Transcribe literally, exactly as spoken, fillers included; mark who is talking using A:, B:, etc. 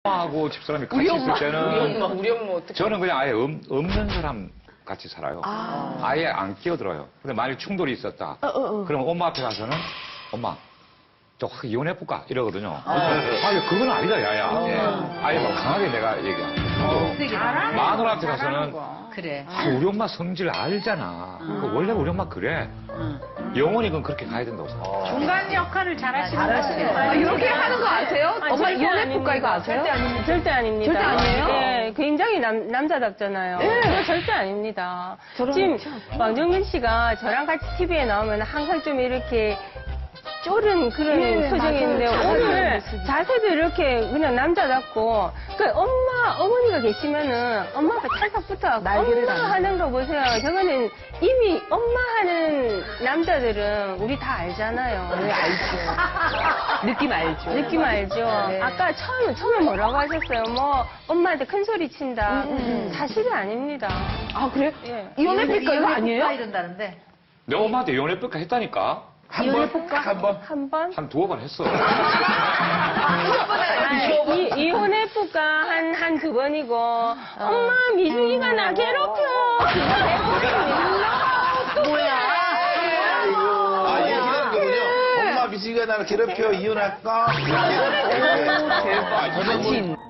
A: 엄마하고 집사람이 같이
B: 우리
A: 있을
B: 엄마,
A: 때는
B: 우리 엄마, 우리 엄마 어떻게?
A: 저는 그냥 아예 없, 없는 사람 같이 살아요.
B: 아.
A: 아예 안 끼어들어요. 근데 만약 충돌이 있었다.
B: 어, 어, 어.
A: 그럼 엄마 앞에 가서는 엄마 저 확 이혼해볼까? 이러거든요. 아니 그건 아니다 야야.
B: 어.
A: 예. 아예 막 강하게 내가 얘기하고. 마누라한테 가서는
C: 그래.
A: 아, 우리 엄마 성질 알잖아. 그 원래 우리 엄마 그래. 영원히 그건 그렇게 가야 된다고 생각해요.
C: 중간 역할을 잘하시는 거예요.
B: 아, 이렇게 하는 거 아세요?
D: 아니,
B: 엄마
D: 절대
B: 이혼해볼까 이거 아세요?
D: 절대 아닙니다. 절대 아닙니다.
B: 절대 아니에요?
D: 네, 굉장히 남, 남자답잖아요.
B: 네.
D: 그거 절대 아닙니다.
B: 저런
D: 지금
B: 참.
D: 왕정민 씨가 저랑 같이 티비에 나오면 항상 좀 이렇게 쫄은 그런
B: 예,
D: 표정인데
B: 맞아요.
D: 오늘
B: 자세도
D: 자세도 이렇게 그냥 남자답고 그 엄마 어머니가 계시면은 엄마가 찰싹 붙어갖고
B: 날개를
D: 엄마
B: 다는
D: 하는 거 보세요. 저거는 이미 엄마 하는 남자들은 우리 다 알잖아요.
B: 네, 알죠. 느낌 알죠.
D: 느낌 알죠?
B: 네.
D: 아까 처음, 처음에 뭐라고 하셨어요? 뭐, 엄마한테 큰 소리 친다.
B: 음, 음, 음.
D: 사실이 아닙니다.
B: 아, 그래요?
D: 예.
B: 이혼해볼까 이거 아니에요?
C: 이런다는데.
A: 내 엄마한테 이혼해볼까 했다니까. 한 번, 한 번,
D: 한 번?
A: 한 두어 번 했어.
D: 아, 이, 이혼해볼까 한, 한 두 번이고, 엄마, 미숙이가 나 괴롭혀.
B: 뭐야?
E: 아, 얘기하는 거군요. 엄마 미식이가 나를 괴롭혀 이혼할까? 이렇게.
B: 대박.
E: 저는 뭐